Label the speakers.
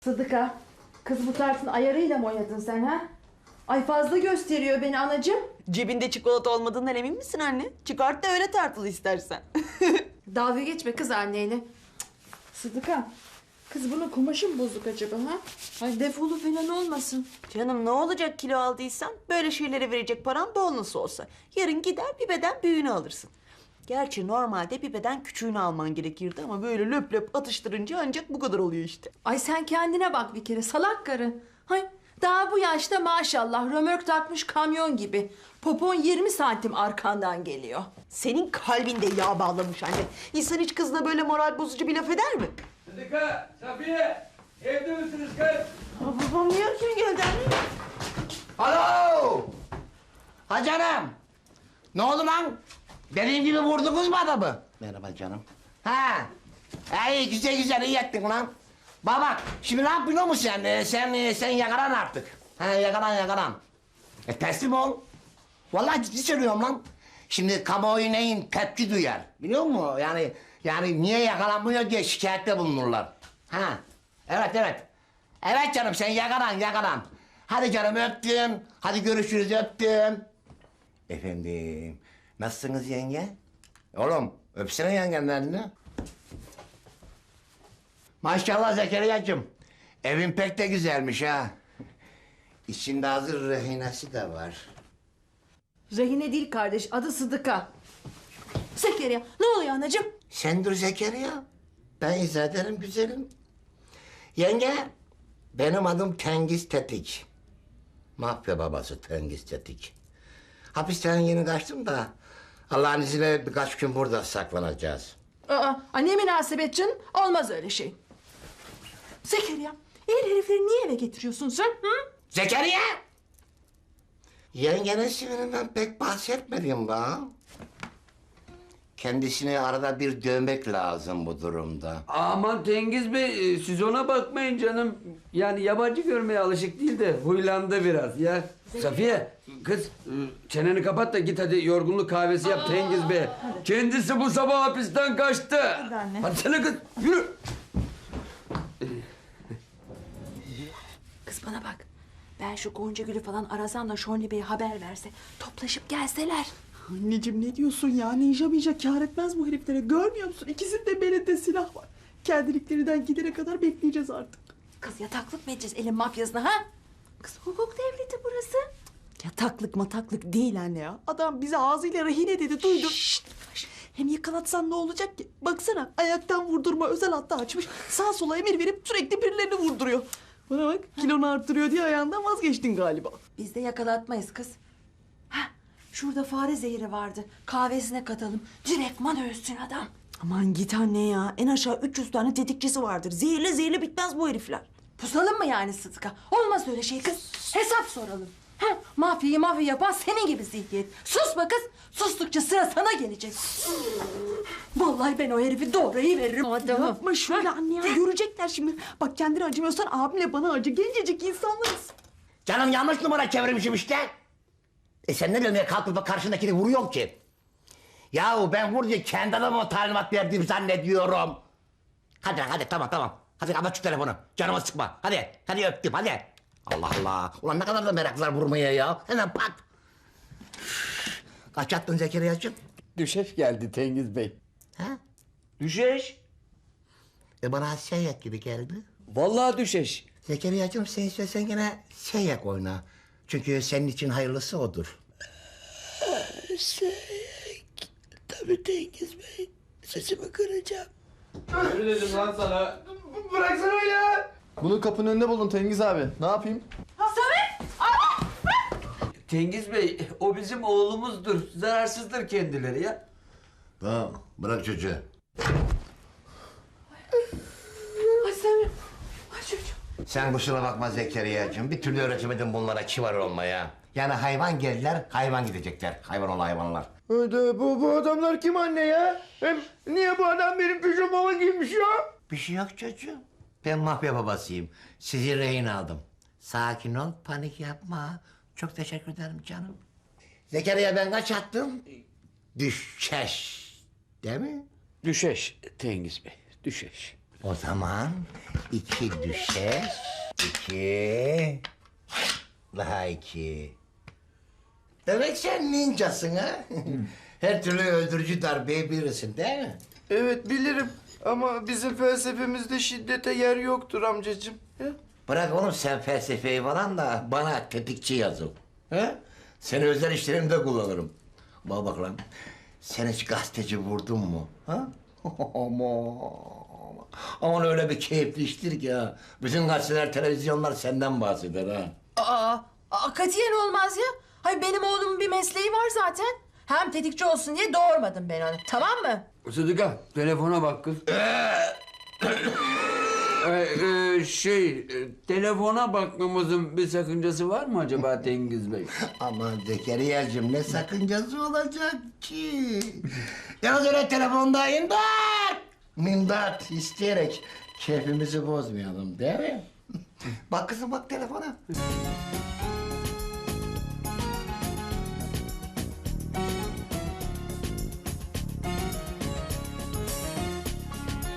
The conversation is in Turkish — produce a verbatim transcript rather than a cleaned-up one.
Speaker 1: Sıdıka, kız bu tartın ayarıyla mı oynadın sen ha? Ay fazla gösteriyor beni anacığım.
Speaker 2: Cebinde çikolata olmadığından emin misin anne? Çıkart da öyle tartılı istersen.
Speaker 1: Dalga geçme kız anneyle. Cık, Sıdıka, kız bunun kumaşı mı bozuk acaba ha? Ay defolu falan olmasın.
Speaker 2: Canım ne olacak kilo aldıysan? Böyle şeylere verecek param bol nasıl olsa. Yarın gider bir beden büyüğünü alırsın. Gerçi normalde bir beden küçüğünü alman gerekirdi ama böyle löp löp atıştırınca ancak bu kadar oluyor işte.
Speaker 1: Ay sen kendine bak bir kere salak karı. Hay daha bu yaşta maşallah römork takmış kamyon gibi. Popon yirmi santim arkandan geliyor.
Speaker 2: Senin kalbinde yağ bağlamış anne. İnsan hiç kızına böyle moral bozucu bir laf eder mi?
Speaker 3: Sıdıka, Safiye, evde misiniz kız?
Speaker 2: Aa, babam niye erken geldi anne?
Speaker 4: Alo! Ha canım! Ne oldu lan? Benim gibi vurdunuz mu adamı? Merhaba canım. Ha! İyi güzel güzel iyi ettin lan. Bak bak, şimdi ne yapıyorsun mu sen? Ee, sen e, sen yakalan artık. Ha yakalan yakalan. E teslim ol. Vallahi ciddi söylüyorum lan. Şimdi kamuoyu neyin tepki duyar. Biliyor musun? Yani yani niye yakalanmıyor diye şikayette bulunurlar. Ha. Evet evet. Evet canım sen yakalan yakalan. Hadi canım öptüm. Hadi görüşürüz öptüm. Efendim. Nasılsınız yenge? Oğlum öpsene yengenin elini. Maşallah Zekeriya'cığım. Evin pek de güzelmiş ha. İçinde hazır rehinesi de var.
Speaker 1: Rehine değil kardeş, adı Sıdıka. Zekeriya, ne oluyor anacığım?
Speaker 4: Sen dur Zekeriya. Ben izah ederim güzelim. Yenge, benim adım Tengiz Tetik. Mafya babası Tengiz Tetik. Hapisten yeni kaçtım da Allah'ın izniyle birkaç gün burada saklanacağız.
Speaker 1: Aa, ay ne münasebet canım, olmaz öyle şey. Zekeriya, el herifleri niye eve getiriyorsun sen? Hı?
Speaker 4: Zekeriya! Yengenin sivrinden pek bahsetmedim bana. Kendisini arada bir dövmek lazım bu durumda.
Speaker 3: Aman Tengiz Bey, e, siz ona bakmayın canım. Yani yabancı görmeye alışık değil de huylandı biraz ya. Safiye, kız e, çeneni kapat da git hadi yorgunluk kahvesi yap Tengiz Bey. Kendisi bu sabah hapisten kaçtı.
Speaker 1: Hadi anne.
Speaker 3: Hadi sana kız, yürü.
Speaker 1: Kız bana bak, ben şu Gonca Gül'ü falan arasam da Şonli Bey'e haber verse, toplaşıp gelseler.
Speaker 2: Anneciğim ne diyorsun ya? Ninja minja kâr etmez bu heriflere. Görmüyor musun? İkisinde belinde silah var. Kendiliklerinden gidene kadar bekleyeceğiz artık.
Speaker 1: Kız yataklık mı edeceğiz elin mafyasına ha? Kız hukuk devleti burası.
Speaker 2: Yataklık mataklık değil anne ya. Adam bize ağzıyla rehine dedi duydun. Şşt! Hem yakalatsan ne olacak ki? Baksana ayaktan vurdurma özel hattı açmış. Sağ sola emir verip sürekli birilerini vurduruyor. Bana bak kilonu arttırıyor diye ayağından vazgeçtin galiba.
Speaker 1: Biz de yakalatmayız kız. Hah, şurada fare zehri vardı. Kahvesine katalım. Direktman ölsün adam.
Speaker 2: Aman git anne ya. En aşağı üç yüz tane tetikçisi vardır. Zehirle zehirle bitmez bu herifler.
Speaker 1: Pusalım mı yani Sıdıka? Olmaz öyle şey kız. Hesap soralım. Ha, mafyayı mafya yapan senin gibi zihniyet. Sus be kız. Sustukça sıra sana gelecek. Vallahi ben o herifi doğrayı veririm adamı.
Speaker 2: Yapma şöyle anne ya. Görecekler şimdi. Bak kendine acımıyorsan abimle bana acı. Gencecik insanlarız.
Speaker 4: Canım yanlış numara çevirmişim işte. E sen ne diyorsun ya kalkıp da karşındakini vuruyorsun ki? Yahu ben vur diye kendi adamıma talimat verdiğimi zannediyorum. Hadi lan hadi tamam tamam. Hadi kapat şu telefonu. Canımı sıkma. Hadi hadi öptüm hadi. Allah Allah. Ulan ne kadar da meraklılar vurmaya ya. Hemen pat. Üf. Kaç attın Zekeriya'cığım?
Speaker 3: Düşeş geldi Tengiz Bey.
Speaker 4: Ha?
Speaker 3: Düşeş?
Speaker 4: E bana seyyek gibi geldi.
Speaker 3: Vallahi düşeş.
Speaker 4: Zekeriya'cığım sen istersen gene seyyek oyna. Çünkü senin için hayırlısı odur.
Speaker 5: Seyyek. Tabii Tengiz Bey. Sesimi kıracağım.
Speaker 3: Öyle dedim lan sana.
Speaker 6: Bıraksana ya. Bunu kapının önünde buldum Tengiz abi. Ne yapayım?
Speaker 3: Tengiz Bey, o bizim oğlumuzdur. Zararsızdır kendileri ya.
Speaker 4: Tamam bırak çocuğu.
Speaker 1: Ay Samim. Ay çocuğum.
Speaker 4: Sen kusura bakma Zekeriya'cığım. Bir türlü öğretemedim bunlara kibar olmaya. Yani hayvan geldiler, hayvan gidecekler. Hayvan ol hayvanlar.
Speaker 6: Hadi bu, bu adamlar kim anne ya? Hem niye bu adam benim pijamamı giymiş ya?
Speaker 4: Bir şey yok çocuğum. Ben mafya babasıyım. Sizi rehin aldım. Sakin ol, panik yapma. Çok teşekkür ederim canım. Zekeriya ben kaç attım? Düşeş. Değil mi?
Speaker 5: Düşeş Tengiz Bey. Düşeş.
Speaker 4: O zaman iki düşer, iki, daha iki. Demek sen ninjasın ha? Her türlü öldürücü darbeyi bilirsin değil mi?
Speaker 6: Evet bilirim ama bizim felsefemizde şiddete yer yoktur amcacığım. He?
Speaker 4: Bırak oğlum sen felsefeyi falan da bana tetikçi yazıl. He? Seni özel işlerimde kullanırım. Bak bak lan. Sen hiç gazeteci vurdun mu? Ha? Aman. Aman öyle bir keyifli iştir ki ha. Bütün gazeteler, televizyonlar senden bahseder ha.
Speaker 1: Aa, aa katiyen olmaz ya. Hayır benim oğlumun bir mesleği var zaten. Hem tetikçi olsun diye doğurmadım ben onu. Tamam mı?
Speaker 3: Sıdıka telefona bak kız. Ee, e, şey, e, telefona bakmamızın bir sakıncası var mı acaba Tengiz Bey?
Speaker 4: Aman Zekeriya'cığım ne sakıncası olacak ki? Yalnız öyle telefonda imdat! Mindat isteyerek keyfimizi bozmayalım değil mi? Bak kızım bak telefona.